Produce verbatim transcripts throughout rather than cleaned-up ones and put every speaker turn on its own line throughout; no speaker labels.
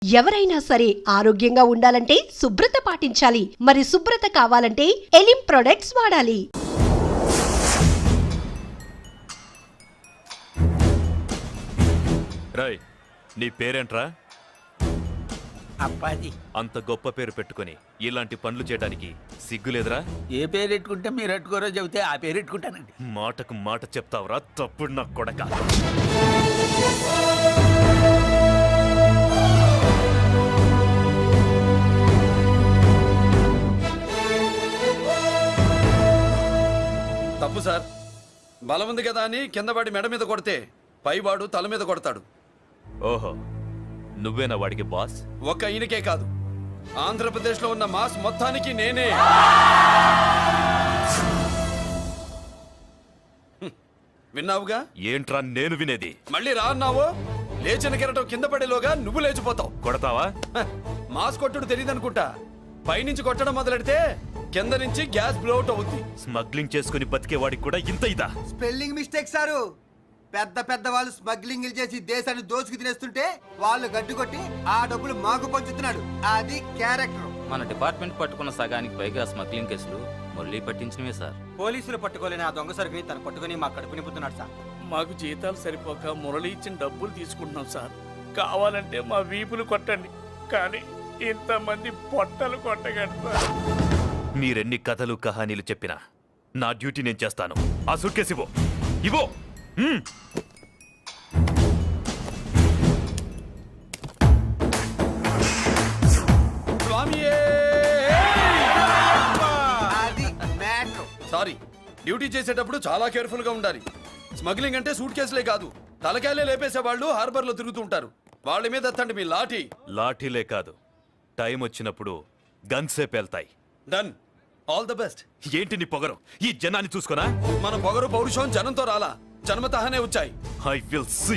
ఎవరైనా సరే ఆరోగ్యంగా ఉండాలంటే శుభ్రత పాటించాలి. మరి శుభ్రత కావాలంటే ఎలిం ప్రొడక్ట్స్ వాడాలి.
రాయ్, నీ పేరేంట్రా?
అప్పాజీ.
అంత గొప్ప పేరు పెట్టుకొని ఇలాంటి పనులు చేయడానికి సిగ్గులేదురా?
ఏ పేరు ఎట్టుకుంటే మీరు ఎట్టుకోరో చెబితే ఆ పేరు ఎట్టుకుంటానండి.
మాటకు మాట చెప్తావురా తప్పుడు నా కొడక.
తప్పు సార్. బలం ఉంది కదా అని కిందవాడి మెడ మీద కొడితే పైవాడు తల మీద కొడతాడు.
ఓహో, నువ్వేనా వాడికి బాస్?
ఒక్క ఈయనకే కాదు, ఆంధ్రప్రదేశ్లో ఉన్న మాస్ మొత్తానికి నేనే. హ్మ్. విన్నావుగా?
ఏంట్రా నేను వినేది?
మళ్ళీ రా అన్నావు, లేచిన కెరటం కింద పడేలోగా నువ్వు లేచిపోతావు.
కొడతావా?
హ, మాస్ కొట్టుడు తెలియదనుకుంటా. పైనుంచి కొట్టడం మొదలెడితే కింద నుంచి గ్యాస్ బ్లౌట్ అవుద్ది.
స్మగ్లింగ్ చేసుకుని బతికే వాడికి కూడా ఇంత ఇదా?
Spelling mistake sir. పెద్ద పెద్ద వాళ్ళు స్మగ్లింగ్ చేసి దేశాన్ని దోచుకు తినేస్తుంటే వాళ్ళు గడ్డు కొట్టి ఆ డబ్బులు మాకు పంచుతున్నాడు. అది క్యారెక్టర్.
మన డిపార్ట్మెంట్ పట్టుకున్న సగానికి పైగా స్మగ్లింగ్ కేసులు మురళి పట్టించినవే సార్.
పోలీసులు పట్టుకోలేని ఆ దొంగ సరుకుని తను పట్టుకుని మాకు కడుపు నింపుతున్నాడు సార్.
మాకు జీతాలు సరిపోక మురళి ఇచ్చిన డబ్బులు తీసుకుంటున్నాం సార్. కావాలంటే మా వీపులు కొట్టండి, కానీ ఇంతమంది పొట్టలు కొట్టగలరు.
మీరెన్ని కథలు కహానీలు చెప్పినా నా డ్యూటీ నేను చేస్తాను. ఆ సూట్కేస్ ఇవ్వు, ఇవ్వు. మ్మ్.
స్వామియే!
అది మ్యాటర్.
సారీ, డ్యూటీ చేసేటప్పుడు చాలా కేర్ఫుల్ గా ఉండాలి. స్మగ్లింగ్ అంటే సూట్ కేసులే కాదు, తలకాయలే లేపేసే వాళ్ళు హార్బర్ లో తిరుగుతూ ఉంటారు. వాళ్ళ మీద ఎత్తండి మీ లాఠీ.
లాఠీలే కాదు, టైం వచ్చినప్పుడు గన్సే పేల్తాయి.
డన్. All the best.
ఏంటి నీ పొగరు? ఈ జనాన్ని చూసుకోనా?
మన పొగరు పౌరుషం జనంతో రాలా, జన్మతహనే వచ్చాయి.
I will see.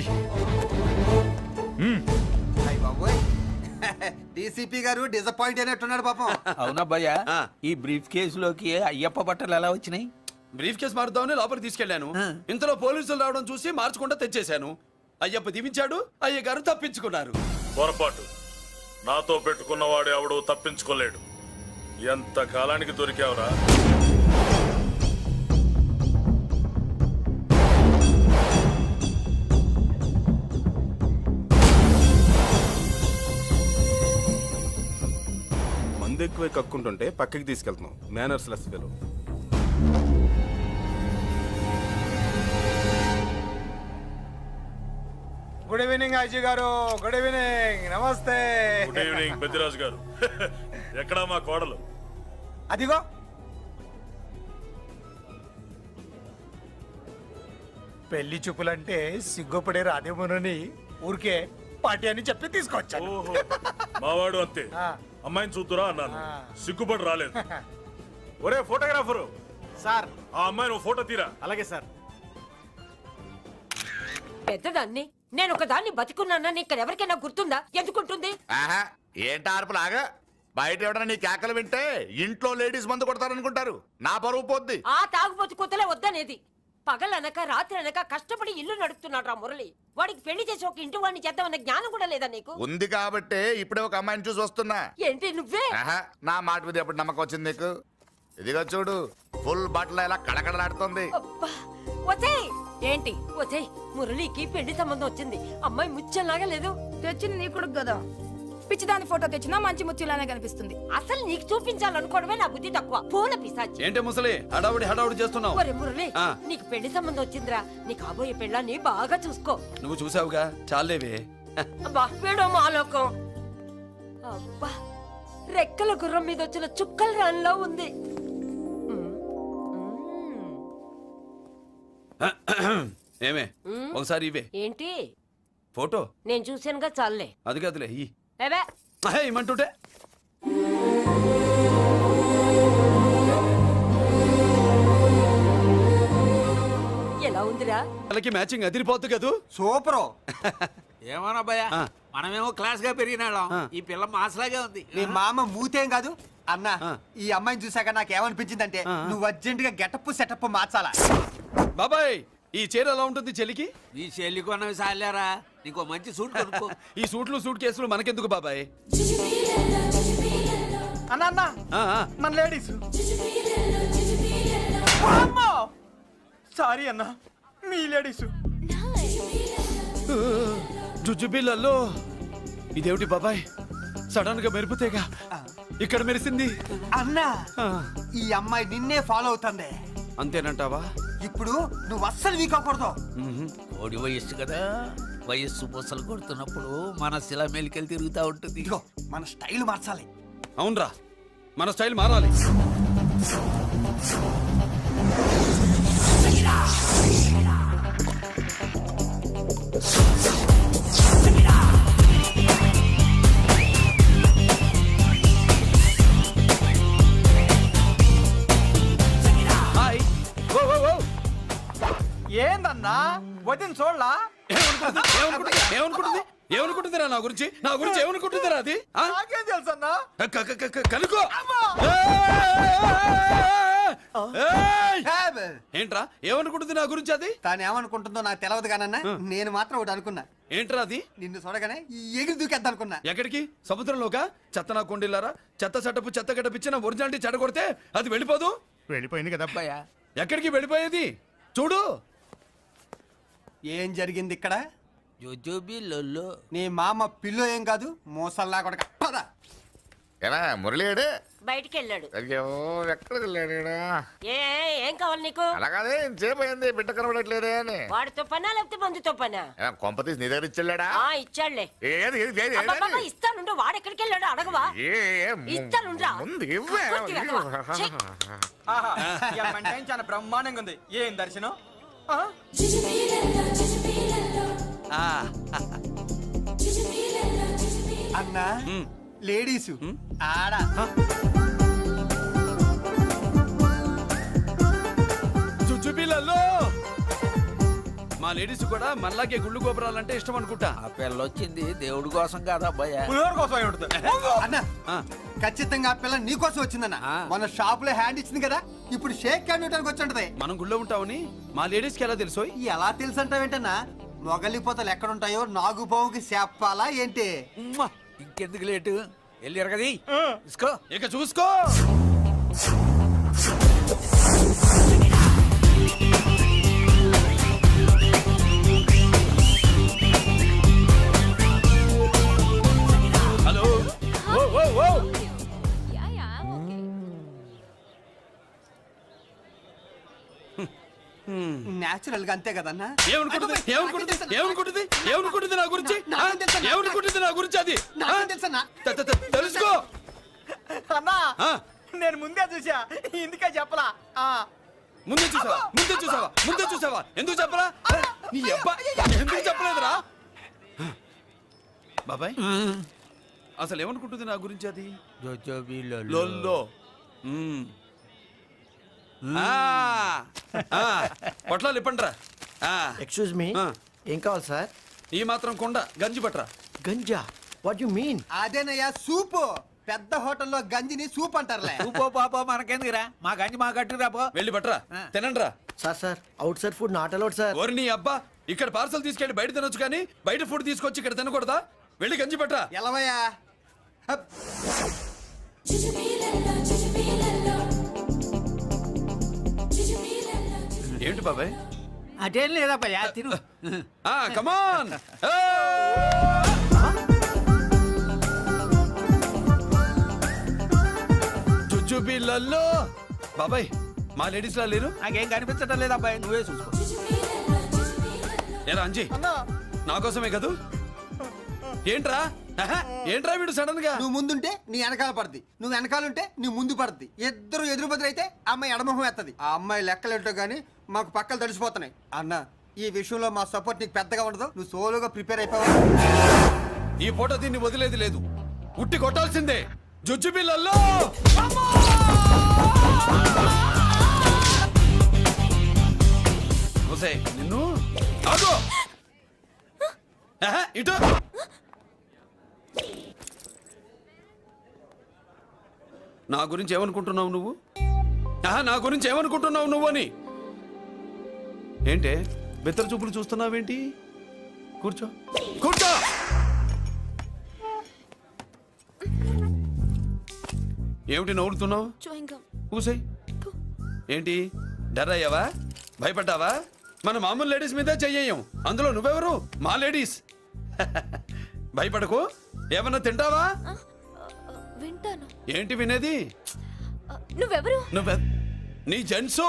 అయ్య బాబోయ్, డీసీపీ గారు డిసప్పాయింట్ అయినట్టున్నాడు పాపం.
అవునబ్బయ్యా,
ఆ.
ఈ బ్రీఫ్ కేసులోకి అయ్యప్ప బట్టలు ఎలా వచ్చినాయి?
బ్రీఫ్ కేసు మారుద్దామని లోపలికి తీసుకెళ్లాను. ఇంతలో పోలీసులు రావడం చూసి మార్చకుండా తెచ్చేశాను. అయ్యప్ప దీవించాడు, అయ్య గారు తప్పించుకున్నారు.
పొరపాటు. నాతో పెట్టుకున్నవాడు ఎవడు తప్పించుకోలేడు. ఎంత కాలానికి దొరికావురా?
మందు ఎక్కువ కక్కుంటుంటే పక్కకి తీసుకెళ్తున్నాం. Manners less fellow.
Good evening Ajay గారు. Good evening. నమస్తే.
గుడ్ ఈవినింగ్ పెద్దిరాజు గారు. ఎక్కడా మా కోడలు?
అదిగో
పెళ్లి చూపులంటే సిగ్గుపడే రాధేమునని ఊరికే పార్టీ అని చెప్పి తీసుకొచ్చాను.
ఓహో, మావాడు అంతే.
ఆ.
అమ్మాయిని చూద్దురా అన్నాను,
ఆ.
సిగ్గుపడి రాలేదు. ఒరే ఫోటోగ్రాఫరు,
సార్.
ఆ అమ్మాయిని ఓ ఫోటో తీరా.
అలాగే సార్.
పెద్దదాన్ని నేను ఒక దాన్ని బతికున్నానని ఇక్కడ ఎవరికైనా గుర్తుందా? ఎందుకుంటుంది?
ఆహా, ఏంటి ఆర్పులాగా? బయట ఎవడన్నా నీ కేకలు వింటే ఇంట్లో లేడీస్ మందు కొడతారనుకుంటారు. నా పరువు పోద్ది.
ఆ తాగుబోతు కూతలే వద్దనేది. పగలనక రాత్రి అనక కష్టపడి ఇల్లు నడుపుతున్నాడు రా మురళి. వాడికి పెళ్లి చేసి ఒక ఇంటి వాడిని చేద్దామన్న జ్ఞానం కూడా లేదా నీకు?
ఉంది కాబట్టే ఇప్పుడే ఒక అమ్మాయిని చూసి వస్తున్నా.
ఏంటి నువ్వే?
ఆహా, నా మాట మీద ఎప్పుడు నమ్మకం వచ్చింది నీకు? ఇదిగో చూడు, ఫుల్ బట్టలు ఇలా కళకళలాడుతుంది.
అబ్బా, ఒసేయ్! ఏంటి ఒసేయ్, మురళికి పెళ్లి సంబంధం వచ్చింది. అమ్మాయి ముచ్చల్లాగా లేదు.
తెచ్చింది నీ కొడుకు కదా, పిచ్చిదాని ఫోటో తెచ్చినా మంచి ముచ్చిలానే కనిపిస్తుంది.
అసలు నీకు చూపించాలనుకోవడమే నా బుద్ధి తక్కువ. పూల పిశాచి.
ఏంటి ముసలి హడావుడి హడావుడి చేస్తున్నావు?
ఒరే మురళి,
ఆ.
నీకు పెళ్లి సంబంధం వచ్చిందిరా. నీ కాబోయే పెళ్ళాన్ని బాగా చూసుకో.
నువ్వు చూసావుగా, చాలేవే.
అబ్బా, వీడో మాలోకం. అబ్బా, రెక్కల గుర్రం మీద వచ్చిన చుక్కల రాన్లా ఉంది.
ఏమే, ఒకసారి ఇవే.
ఏంటి
ఫోటో
నేను చూసానుగా, చాలే.
అది కాదులే, ఈ
ఏవే
ఇమ్మంటుంటే.
ఎలా ఉందిరా?
వాళ్ళకి మ్యాచింగ్ అదిరిపోద్దు కదూ.
సూపరు.
ఏమోనబ్బయ్యా,
ఆ.
మనమేమో క్లాస్ గా పెరిగినాళ్ళం.
ఆ.
ఈ పిల్ల మాసలాగే ఉంది.
నీ మామ మూతేం కాదు అన్న.
ఆ.
ఈ అమ్మాయిని చూసాక నాకు ఏమనిపించిందంటే
ఆ.
నువ్వు అర్జెంట్ గా గెటప్ సెటప్ మార్చాలా.
బాబాయ్, ఈ చీర ఎలా ఉంటుంది చెలికి?
ఈ చెల్లి కొన్నవి సాలేరా? నీకు మంచి సూట్ కొనుక్కో.
ఈ సూట్లు సూట్ కేసులు మనకెందుకు బాబాయ్?
అన్న అన్న
ఆ, ఆ.
మన లేడీస్ సారీ అన్న మీ లేడీస్
జుజుబిళ్ళల్లో ఇదేమిటి బాబాయ్? సడన్ గా మెరుపుతేగా ఇక్కడ మెరిసింది.
అన్న
ఆ,
ఈ అమ్మాయి నిన్నే ఫాలో అవుతుంది.
అంతేనంటావా?
ఇప్పుడు నువ్వు అస్సలు వీక్ అవ్వకూడదు.
కోడి వయస్సు కదా, వయస్సు పూసలు కొడుతున్నప్పుడు మన శిల మేలికెళ్ళి తిరుగుతూ ఉంటుంది.
ఇదిగో మన స్టైల్ మార్చాలి.
అవునరా, మన స్టైల్ మారాలి. హాయ్. Oh, oh, oh.
ఏందన్నా వదిన చూడలా?
ఏమనుకుంటుంది? ఏమనుకుంటుంది? ఏమనుకుంటుంది? ఏమనుకుంటుందిరా నా గురించి? నా గురించి ఏమనుకుంటుందిరా అది? ఆ?
నాకేం తెలుసు అన్నా?
క- క- క- క- కనుకో. ఏయ్! ఏంట్రా ఏమనుకుంటుంది నా గురించి అది?
తాను ఏమనుకుంటుందో నాకు తెలియదు కానన్నా, నేను మాత్రం ఒకటి అనుకున్నా.
ఏంట్రా అది?
నిన్ను చూడగానే ఎగిరి దూకేద్దాం అనుకున్నా.
ఎక్కడికి? సముద్రంలోకా? చెత్త నా కొండిల్లారా, చెత్త చెట్టపు చెత్త గడపిచ్చిన ఒరిజినాలిటీ చెడగొడితే అది వెళ్ళిపోదు.
వెళ్ళిపోయింది కదా
అబ్బాయా,
ఎక్కడికి వెళ్ళిపోయేది? చూడు.
ఏం జరిగింది ఇక్కడ?
జోజోబి లొల్లో.
నీ మామ పిల్లో ఏం కాదు, మోసల్లా కొడక. పద.
ఎలా మురళీడు
బయటికి వెళ్ళాడు.
అయ్యో ఎక్కడికి వెళ్ళాడు?
ఏ ఏం కావాలి నీకు?
అలాగదే సేపు అయింది బిడ్డ కనబడట్లేదే అని.
వాడితో పనా లేకపోతే మందుతో పనా?
ఏం కొంప తీసి నీ దగ్గర ఇచ్చెళ్ళాడా?
ఆ ఇచ్చాడులే.
ఏది ఏది ఏది
అబ్బబ్బబ్బ,
ఏది?
ఇస్తానుండు. వాడు ఎక్కడికి వెళ్ళాడు అడగవా?
ఏ, ఏ, ము-
ఇస్తానుండ్రా.
ముందు ఇవ్వే.
పూర్తిగా అడగవా? ఛీ.
చాలా బ్రహ్మాండంగా ఉంది. ఏం దర్శనం? అన్నా లేడీసు ఆడ
చుచ్చుపిల్లల్లో మా లేడీస్ కూడా మనలాగే గుళ్ళు గోపురాలంటే ఇష్టం అనుకుంటా.
ఆ పిల్ల వచ్చింది దేవుడి కోసం కాదు అబ్బాయా.
అన్న ఖచ్చితంగా ఆ పిల్ల నీ కోసం వచ్చిందన్న. మన షాప్ లో హ్యాండ్ ఇచ్చింది కదా, ఇప్పుడు షేక్ హ్యాండ్ ఇవ్వడానికి వచ్చి ఉంటది.
మనం గుళ్ళో ఉంటామని మా లేడీస్ కి ఎలా తెలుసోయ్?
ఎలా తెలుసు అంటావేంటన్నా? మొగలిపోతలు ఎక్కడుంటాయో నాగుబావుకి చెప్పాలా ఏంటి?
ఉమ్మా, ఇంకెందుకు లేటు? వెళ్ళారు కదా ఇసుకో.
ఇక చూసుకో. హలో. ఓ, ఓ, ఓ.
నేచురల్ గా అంతే కదన్నా.
ఏమనుకుంటుంది? ఏమనుకుంటుంది? ఏమనుకుంటుంది? ఏమనుకుంటుంది నా గురించి? ఆ? ఏమనుకుంటుంది నా గురించి అది? ఆ?
నాకేం తెలుసన్నా?
తె- తె- తె- తెలుసుకో.
అన్నా
ఆ?
నేను ముందే చూసా, ఇందుకే చెప్పలా.
ముందే చూసావా? ముందే చూసావా? ముందే చూసావా? ఎందుకు చెప్పరా? నీ అబ్బా ఎందుకు చెప్పలేదురా? బాబాయ్ అసలు ఏమనుకుంటుంది నా గురించి అది?
జోజోబి
లొల్లో. మ్మ్. ఆ, ఆ, పొట్లాలు ఇప్పండ్రా.
ఎక్స్క్యూజ్ మీ, ఏం కావాలి సార్?
ఈ మాత్రం కొండ గంజి పట్రా.
గంజా? What you mean? అదేనయ్యా సూపు. పెద్ద హోటల్లో గంజిని సూప్ అంటారులే.
పో పాప మనకెందుకురా, మా గంజి మా కట్టురా పో.
వెళ్ళి పట్రా, తినండ్రా.
Sir sir outside food not allowed sir.
ఓరి నీ అబ్బా, ఇక్కడ పార్సల్ తీసుకెళ్ళి బయట తినొచ్చు కానీ బయట ఫుడ్ తీసుకొచ్చి ఇక్కడ తినకూడదా? వెళ్ళి గంజి పట్రా.
ఎలవయ్యా.
ఏంటి బాబాయ్?
అదేం లేదబ్బా తిను.
ఆ కమాన్. చుచ్చుపిల్లల్లో బాబాయ్ మా లేడీస్ లా లేరు?
నాకేం కనిపించడం లేదబ్బాయి, నువ్వే చూసుకో.
ఏరా అంజీ, నా కోసమే కదూ? ఏంట్రా ఆహా, ఏంట్రా వీడు సడన్ గా?
నువ్వు ముందుంటే నీ వెనకాల పడుద్ది, నువ్వు వెనకాలంటే నీ ముందు పడుద్ది. ఇద్దరు ఎదురు బదులైతే అమ్మాయి ఎడమొహం ఎత్తది. ఆ అమ్మాయి లెక్కలేంటో గానీ మాకు పక్కలు తడిసిపోతున్నాయి. అన్న ఈ విషయంలో మా సపోర్ట్ నీకు పెద్దగా ఉండదు. నువ్వు సోలోగా ప్రిపేర్ అయిపోవాలి.
ఈ పూట దీన్ని వదిలేది లేదు, ఉట్టి కొట్టాల్సిందే. జుజ్జు పిల్లల్లో నిన్ను ఆగు. ఆహా, ఇటు. నా గురించి ఏమనుకుంటున్నావు నువ్వు? ఆహా, నా గురించి ఏమనుకుంటున్నావు నువ్వు అని? ఏంటే బెత్తర చూపులు చూస్తున్నావేంటి? కూర్చో కూర్చో. ఏమిటి నవ్వుతున్నావు? కూసాయి. ఏంటి డర్ అయ్యావా? భయపడ్డావా? మన మామూలు లేడీస్ మీద చెయ్యం, అందులో నువ్వెవరు? మా లేడీస్. భయపడకు. ఏమన్నా తింటావా?
వింటాను.
ఏంటి వినేది?
నువ్వెవరు?
నువ్వె నీ జెంట్సు.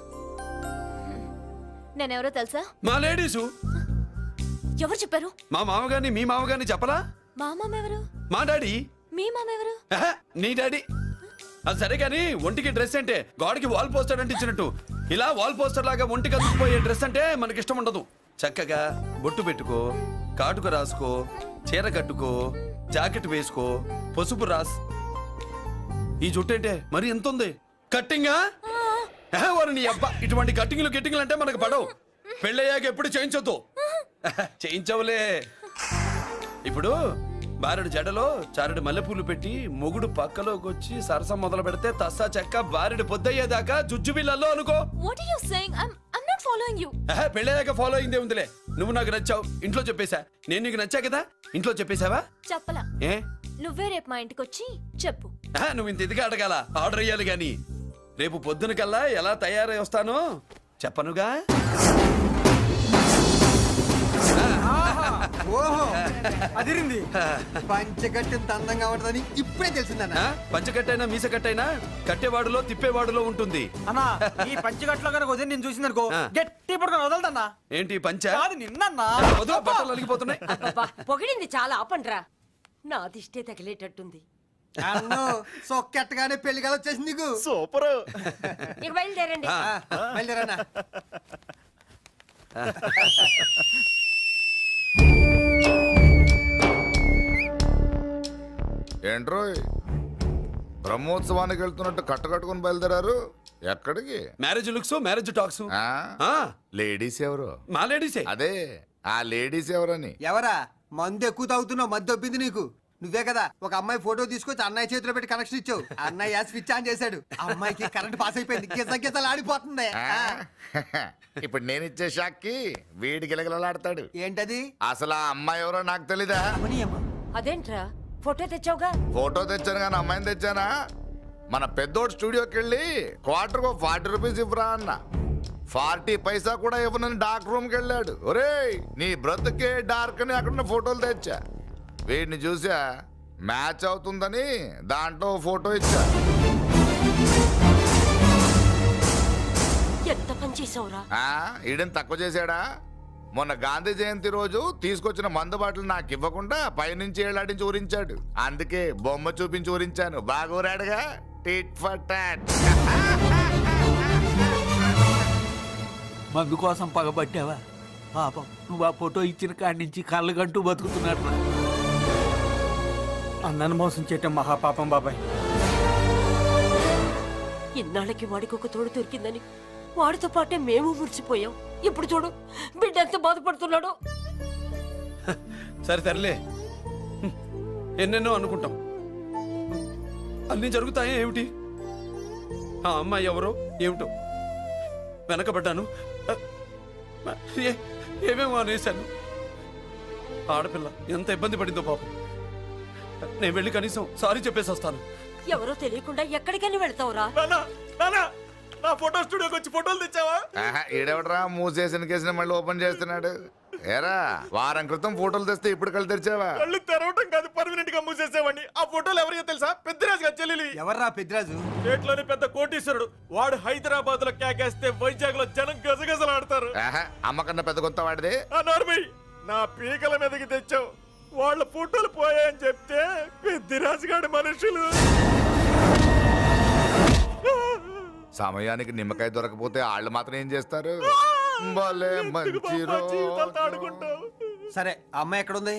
నేనెవరో తెలుసా?
మా లేడీసు.
ఎవరు చెప్పారు?
మా మామగారిని మీ మామగారిని చెప్పలా?
మా మామ ఎవరు?
మా డాడీ.
మీ మామ ఎవరు?
ఆహా, నీ డాడీ. అది సరే కానీ ఒంటికి డ్రెస్ అంటే గోడకి వాల్ పోస్టర్ అంటే ఇచ్చినట్టు ఇలా వాల్ పోస్టర్ లాగా ఒంటికి అందుకుపోయే డ్రెస్ అంటే మనకి ఇష్టం ఉండదు. చక్కగా బొట్టు పెట్టుకో, కాటుక రాసుకో, చీర కట్టుకో, జాకెట్ వేసుకో, పసుపు రాస్. ఈ జుట్టు అంటే మరి ఎంత ఉంది? కట్టింగా వారు నీ అబ్బా. ఇటువంటి కట్టింగ్లు గిట్టింగ్లు అంటే మనకు పడవు. పెళ్ళయ్యాక ఎప్పుడు చేయించొద్దు. చేయించవులే. ఇప్పుడు బారెడు జడలో చారెడు మల్లెపూలు పెట్టి మొగుడు పక్కలోకి వచ్చి సరసం మొదలు పెడితే తస్సా చెక్క బారెడు పొద్దయ్యేదాకా జుజ్జు బిళ్ళల్లో అనుకో.
What are you saying? I'm I'm not following you.
ఆహా, పెళ్ళయ్యాక ఫాలో అయిందే ఉందిలే. నువ్వు నాకు నచ్చావు, ఇంట్లో చెప్పేశా. నేను నీకు నచ్చా కదా, ఇంట్లో చెప్పేశావా?
చెప్పలా.
ఏ
నువ్వే రేపు మా ఇంటికి వచ్చి చెప్పు.
ఆహా, నువ్వు ఇంత ఇదిగా అడగాల, ఆర్డర్ అయ్యాలి గాని. రేపు పొద్దున కల్లా ఎలా తయారై వస్తానో చెప్పనుగా.
ఓహో అదిరింది. పంచగట్టెంత అందంగా ఉంటుందని ఇప్పుడే తెలిసిందన్న.
ఆ, పంచకట్టైనా మీసకట్టైనా కట్టేవాడులో తిప్పేవాడులో ఉంటుంది.
అన్నా ఈ పంచగట్లో కనుక వదిలి నేను చూసిందనుకో
ఆ.
గట్టి పడుకొని వదలదన్నా.
ఏంటి పంచ?
కాదు నిన్నన్నా.
వదిలో బట్టలు అలిగిపోతున్నాయి.
అబ్బబ్బా, పొగిడింది చాలా ఆపండ్రా. నా దిష్టే తగిలేటట్టుంది.
అన్ను సొక్కెట్టగానే పెళ్లి కాదు వచ్చేసింది నీకు.
సూపర్.
ఇక బయలుదేరండి.
ఆ,
బయలుదేరన్నా.
ఏంట్రోయ్ బ్రహ్మోత్సవానికి వెళ్తున్నట్టు కట్టకట్టుకుని బయలుదేరారు? ఎక్కడికి?
Marriage looks, marriage talks.
ఆ?
ఆ,
లేడీస్ ఎవరు?
మా లేడీసే.
అదే ఆ లేడీస్ ఎవరని.
ఎవరా మందు ఎక్కువ తాగుతున్నావు? మధ్య దొబ్బింది నీకు. నువ్వే కదా ఒక అమ్మాయి ఫోటో తీసుకొచ్చి అన్నయ్య చేతిలో పెట్టి కనెక్షన్ ఇచ్చావు. అన్నయ్య స్విచ్ ఆన్ చేశాడు. అమ్మాయికి కరెంట్ పాస్ అయిపోయింది. గిజ గిజలు ఆడిపోతుంది.
ఆ? ఇప్పుడు నేను ఇచ్చే షాక్కి వీడి గిలగిలలాడతాడు.
ఏంటది?
అసలు ఆ అమ్మాయి ఎవరో నాకు తెలీదా?
అదేంట్రా ఫోటో తెచ్చావుగా?
ఫోటో తెచ్చాను కానీ అమ్మాయిని తెచ్చానా? మన పెద్దోడు స్టూడియోకి వెళ్ళి క్వార్టర్ ఫార్టీ రూపీస్ ఇవ్వరా అన్న. ఫార్టీ పైసా కూడా ఇవ్వనని డార్క్ రూమ్కి వెళ్ళాడు. ఒరేయ్ నీ బ్రతుకే డార్క్ అని అక్కడ ఫోటోలు తెచ్చా. వీడిని చూసా మ్యాచ్ అవుతుందని దాంట్లో ఫోటో ఇచ్చా.
ఎంత పని చేసావురా?
ఆ, ఈడని తక్కువ చేశాడా? మొన్న గాంధీ జయంతి రోజు తీసుకొచ్చిన మందు బాటలు నాకు ఇవ్వకుండా పైనుంచి ఏళ్ళాడించి ఊరించాడు. అందుకే బొమ్మ చూపించి ఊరించాను. బాగా ఊరాడుగా. Tit for tat.
మందు కోసం పగబట్టావా? పాపం నువ్వు ఆ ఫోటో ఇచ్చిన కాడి నుంచి కళ్ళగంటూ బతుకుతున్నట్టు.
అన్నను మోసం చేయటం మహాపాపం బాబాయ్.
ఇన్నాళ్ళకి వాడికి ఒక తోడు దొరికిందని వాడితో పాటే మేము మురిసిపోయాం. ఇప్పుడు చూడు బిడ్డ ఎంత బాధపడుతున్నాడో.
సరే తరలే, ఎన్నెన్నో అనుకుంటాం, అన్నీ జరుగుతాయా ఏమిటి? ఆ అమ్మాయి ఎవరో ఏమిటో వెనకబడ్డాను. ఏ- ఏమేమో అనేశాను. ఆడపిల్ల ఎంత ఇబ్బంది పడిందో పాపం. నేను వెళ్ళి కనీసం సారీ చెప్పేసి వస్తాను.
ఎవరో తెలియకుండా ఎక్కడికని వెళ్తావురా?
నా ఫోటో స్టూడియోకి వచ్చి ఫోటోలు తెచ్చావా?
ఆహా, ఈడెవడరా మూసేసిన కేసుని మళ్ళీ ఓపెన్ చేస్తున్నాడు? ఏరా వారం క్రితం ఫోటోలు తెస్తే ఇప్పుడు కళ్ళు తెరిచావా?
కళ్ళు తెరవటం కాదు, పర్మనెంట్ గా మూసేసేవాడిని. ఆ ఫోటోలు ఎవరికో తెలుసా? పెద్దరాజు గారి చెల్లెలి.
ఎవర్రా పెద్దరాజు?
స్టేట్లోని పెద్ద కోటీశ్వరుడు. వాడు హైదరాబాద్ లో కేకేస్తే వైజాగ్ లో జనం గజగజలాడతారు.
ఆహా, అమ్మకన్నా పెద్ద కొత్త వాడిది.
ఆ నార్మల్ నా పీకల మీదకి తెచ్చావు. వాళ్ళ ఫోటోలు పోయాయని చెప్తే పెద్దిరాజు గారి మనుషులు.
సమయానికి నిమ్మకాయ దొరకపోతే వాళ్ళు మాత్రం ఏం చేస్తారు? భలే మంచి
జీవితాలతో ఆడుకుంటావు.
సరే ఆ అమ్మాయి ఎక్కడుంది?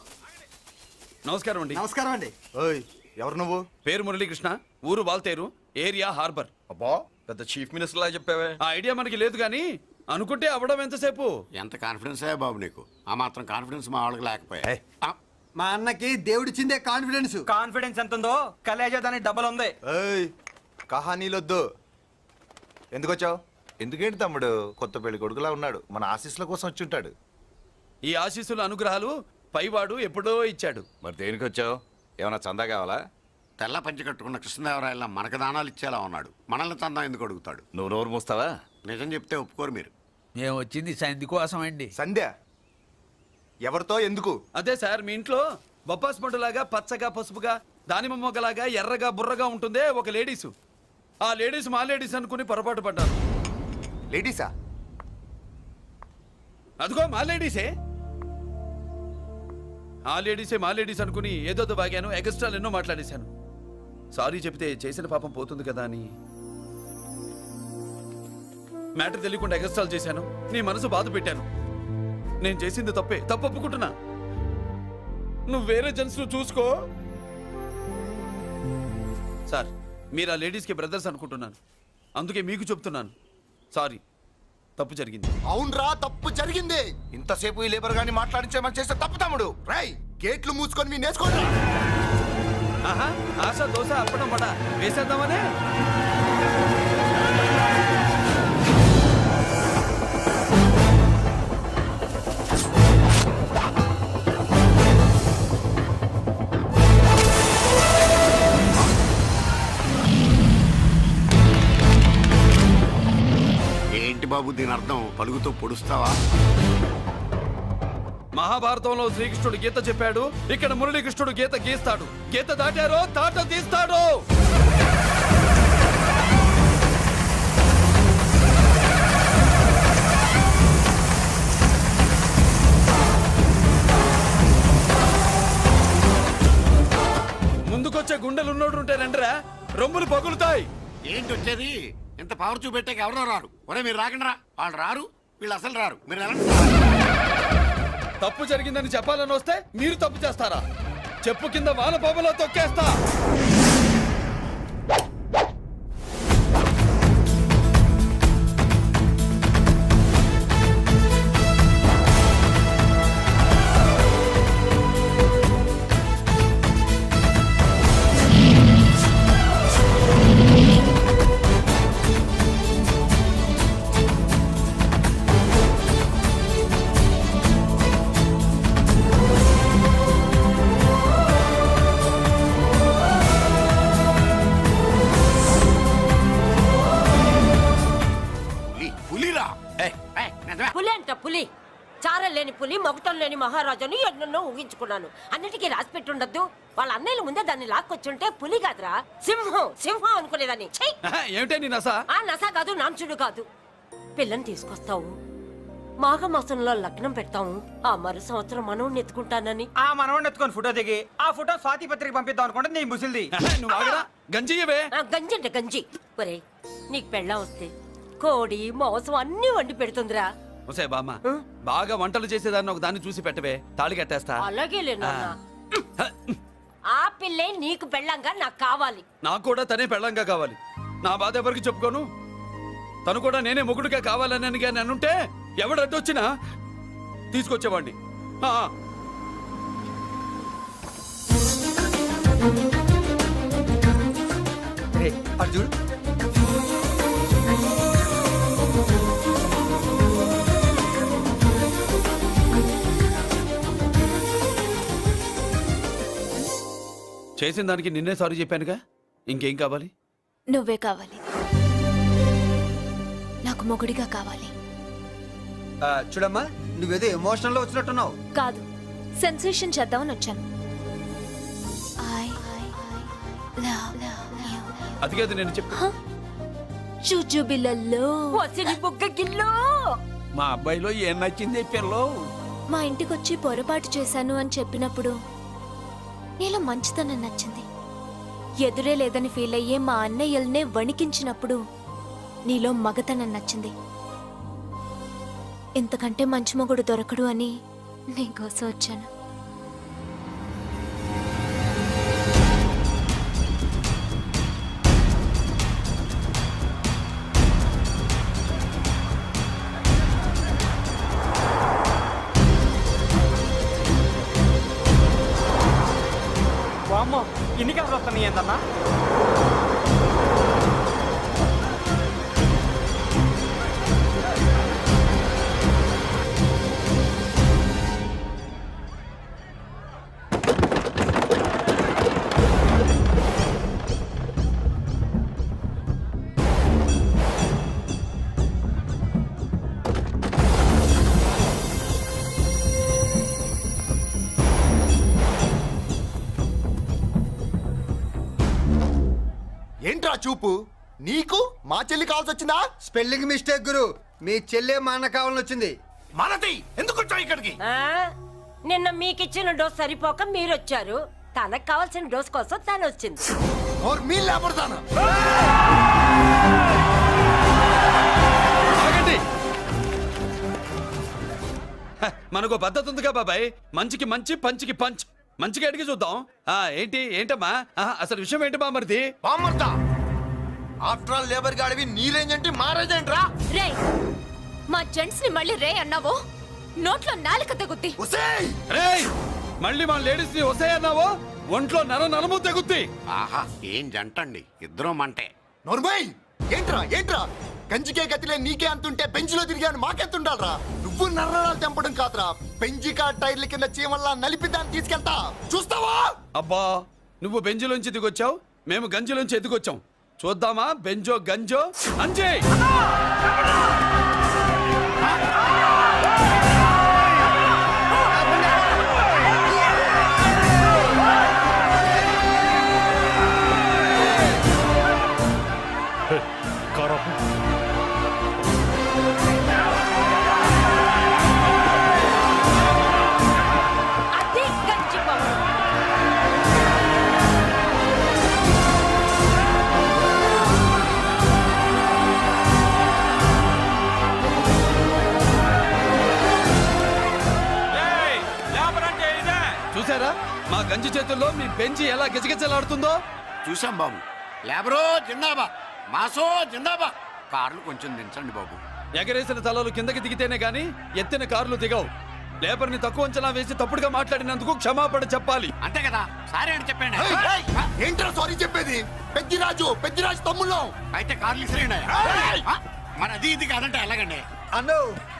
నమస్కారం అండి.
నమస్కారం అండి.
ఓయ్ ఎవరు నువ్వు?
పేరు మురళీకృష్ణ, ఊరు వాల్తేరు, ఏరియా హార్బర్.
అబ్బా పెద్ద చీఫ్ మినిస్టర్ లాగా చెప్పావే.
ఆ ఐడియా మనకి లేదు కానీ అనుకుంటే అవ్వడం ఎంతసేపు.
ఎంత కాన్ఫిడెన్స్ అయ్యా బాబు నీకు? ఆ మాత్రం కాన్ఫిడెన్స్ మా వాళ్ళకి లేకపోయా.
మా అన్నకి దేవుడిచ్చిందే కాన్ఫిడెన్స్.
కాన్ఫిడెన్స్ ఎంత ఉందో కలేజా దానికి డబ్బులు ఉంది.
కహానీలొద్దు. ఎందుకు వచ్చావు? ఎందుకేంటి తమ్ముడు? కొత్త పెళ్లి కొడుకులా ఉన్నాడు. మన ఆశీస్సుల కోసం వచ్చి ఉంటాడు.
ఈ ఆశీస్సుల అనుగ్రహాలు పైవాడు ఎప్పుడో ఇచ్చాడు.
మరి దేనికి వచ్చావు? ఏమైనా చందా కావాలా?
తెల్ల పంచి కట్టుకున్న కృష్ణదేవరాయల మనకు దానాలు ఇచ్చేలా ఉన్నాడు. మనల్ని చందా ఎందుకు అడుగుతాడు?
నువ్వు నోరు మూస్తావా?
నిజం చెప్తే ఒప్పుకోరు మీరు.
మేము వచ్చింది సంధి కోసం అండి.
సంధ్య ఎవరితో ఎందుకు?
అదే సార్, మీ ఇంట్లో బొప్పాస్ పండులాగా పచ్చగా పసుపుగా దానిమ్మ మొగ్గలాగా ఎర్రగా బుర్రగా ఉంటుందే ఒక లేడీసు. ఆ లేడీస్ మా లేడీస్ అనుకుని పొరపాటు పడ్డాను.
లేడీసా?
అదిగో మా లేడీసే. ఆ లేడీసే మా లేడీస్ అనుకుని ఏదోదో బాగాను, ఎగస్ట్రాలు ఎన్నో మాట్లాడేశాను. సారీ చెప్తే చేసిన పాపం పోతుంది కదా అని మ్యాటర్ తెలియకుండా ఎగస్ట్రాలు చేశాను. నీ మనసు బాధ పెట్టాను. నేను చేసింది తప్పే, తప్పు ఒప్పుకుంటున్నా. నువ్వు వేరే జెంట్స్ చూసుకో. సార్, మీరు ఆ లేడీస్కి బ్రదర్స్ అనుకుంటున్నాను, అందుకే మీకు చెప్తున్నాను. సారీ, తప్పు జరిగింది.
అవునరా, తప్పు జరిగింది. ఇంతసేపు ఈ లేబర్ గాని మాట్లాడించేమని చేస్తే తప్పు తమ్ముడు. రై గేట్లు మూసుకొని మీ నేర్చుకోండి.
ఆహా, ఆశ దోశ అప్పడం పడ వేసేద్దామనే.
ఏంటి బాబు దీని అర్థం? పలుగుతో పొడుస్తావా?
మహాభారతంలో శ్రీకృష్ణుడు గీత చెప్పాడు, ఇక్కడ మురళీకృష్ణుడు గీత గీస్తాడు. గీత దాటారో తాట తీస్తాడు. ముందుకొచ్చే గుండెలు ఉన్నోడు ఉంటే రండిరా, రొమ్ములు పగులుతాయి.
ఏంటి వచ్చేది? ఇంత పవర్ చూపెట్టాక ఎవరో రారు. ఒరే మీరు రాకండి రా. వాళ్ళు రారు, వీళ్ళు అసలు రారు. మీరు ఎలా?
తప్పు జరిగిందని చెప్పాలని వస్తే మీరు తప్పు చేస్తారా? చెప్పు కింద వాన పాపలో తొక్కేస్తా.
పులి అంట పులి. చారం లేని పులి, మొగటం లేని మహారాజుని ఎన్నెన్నో ఊహించుకున్నాను. అన్నిటికీ రాసి పెట్టుండద్దు. వాళ్ళ అన్నయ్యల ముందే దాన్ని లాక్కొచ్చుంటే పులి కాదురా, సింహం సింహం అనుకునేదాన్ని.
ఏమిటే నీ నస?
ఆ నస కాదు, నాంచుడు కాదు. పిల్లని తీసుకొస్తావు, మాఘమాసంలో లగ్నం పెడతాము. ఆ మరు సంవత్సరం మనవుణ్ణి ఎత్తుకుంటానని
ఆ మనవాడిని ఎత్తుకొని ఫోటో దిగి ఆ ఫోటో స్వాతి పత్రిక పంపిద్దాం అనుకుంటే నీ ముసిల్ది.
నువ్వు ఆగరా, గంజియవే.
ఆ, గంజి అంటే గంజి. ఒరే, నీకు పెళ్ళం వస్తే కోడి మాంసం అన్ని వండి పెడుతుందిరా.
ఒసే బామ్మ, బాగా వంటలు చేసేదాన్ని ఒక దాన్ని చూసి పెట్టవే, తాళి కట్టేస్తా.
అలాగే లేనా? ఆ పిల్లే నీకు పెళ్ళంగా నాకు కావాలి.
నాకు కూడా తనే పెళ్ళంగా కావాలి. నా బాధ ఎవరికి చెప్పుకోను. తను కూడా నేనే మొగుడుగా కావాలని కానీ అనుంటే ఎవడు అడ్డొచ్చినా తీసుకొచ్చేవాడిని. ఆ,
అర్జున్
చేసిన దానికి నిన్నే సారీ చెప్పానుగా, ఇంకేం కావాలి?
నువ్వే కావాలి. నాకు మొగుడిగా కావాలి.
చూడమ్మా, నువ్వేదో ఎమోషనల్ లో వచ్చినట్టున్నావు.
కాదు, సెన్సేషన్ చేద్దామని వచ్చాను.
అది కాదు నేను చెప్పు.
చుచుబిళ్ళల్లో
వసిని బుగ్గ గిల్లో.
మా అబ్బాయిలో ఏం నచ్చింది పిల్లో?
మా ఇంటికొచ్చి పొరపాటు చేశాను అని చెప్పినప్పుడు నీలో మంచితనం నచ్చింది. ఎదురే లేదని ఫీల్ అయ్యే మా అన్నయ్యల్నే వణికించినప్పుడు నీలో మగతనం నచ్చింది. ఇంతకంటే మంచి మొగుడు దొరకడు అని నీకోసం వచ్చాను.
ఇన్ని కాసులు వస్తున్నాయి ఏంటన్నా?
ఏంట్రా చూపు నీకు మా చెల్లి కావాల్సి వచ్చిందా? స్పెల్లింగ్ మిస్టేక్ గురు, మీ చెల్లె మా అన్న కావాలని వచ్చింది.
మనది ఎందుకు వచ్చావు ఇక్కడికి?
ఆ? నిన్న మీకిచ్చిన డోస్ సరిపోక మీరొచ్చారు, తనకు కావాల్సిన డోస్ కోసం తను వచ్చింది.
और मी లేపడతాను.
ఆగండి. హ, మనకు పద్ధతి ఉందిగా బాబాయ్, మంచికి మంచి పంచికి పంచ్. మంచిగా అడిగి చూద్దాం. ఆ ఏంటి ఏంటమ్మా ఆహా, అసలు విషయం ఏంటి బామ్మర్ది?
బామ్మర్దా ఆఫ్టర్ ఆల్ లేబర్ గాడివి నీ రేంజ్ ఏంటి మా రేంజ్ ఏంట్రా?
రే మా జెంట్స్ ని మళ్ళీ రే అన్నావో నోట్లో నాలుక తెగుద్ది.
ఒసేయ్
రేయ్, మళ్ళీ మా లేడీస్ ని వస్తాయన్నావో ఒంట్లో నర నరము తెగుద్ది.
ఆహా ఏం జంటండి, ఇద్దరం మంటే.
నోర్మై ఏంట్రా ఏంట్రా కంచికే గతిలే నీకే అంతుంటే బెంచ్లో తిరిగాను మాకెంతుండాలరా? నువ్వు నర్రాలు తెంపడం కాదురా, పెంచికా టైర్ల కింద చీమల్లా నలిపి దాన్ని తీసుకెళ్తా చూస్తావా?
అబ్బా, నువ్వు బెంజులోంచి దిగొచ్చావు, మేము గంజిలోంచి ఎదిగొచ్చాం. చూద్దామా బెంజో గంజో అంజే.
అది గంజిపోవడం.
చూసారా మా గంజి చేతుల్లో మీ బెంజి ఎలా గిజగిజలాడుతుందో?
చూసాం బాబు. లేబరో జిందాబా, మాసో జిందాబా. కార్లు కొంచెం దించండి బాబు.
ఎగరేసిన తలలు కిందకి దిగితేనే గాని ఎత్తిన కార్లు దిగవు. లేబర్ ని తక్కువ అంచనా వేసి తప్పుడుగా మాట్లాడినందుకు క్షమాపణ చెప్పాలి.
అంతే కదా, సారీ అని చెప్పండి.
ఏంట్రా సారీ చెప్పేది? పెద్దిరాజు పెద్దిరాజు తమ్ముళ్ళం.
అయితే కార్లు ఇసిరేయండి. మరి అది ఇది కాదంటే ఎలాగండి?
అన్నో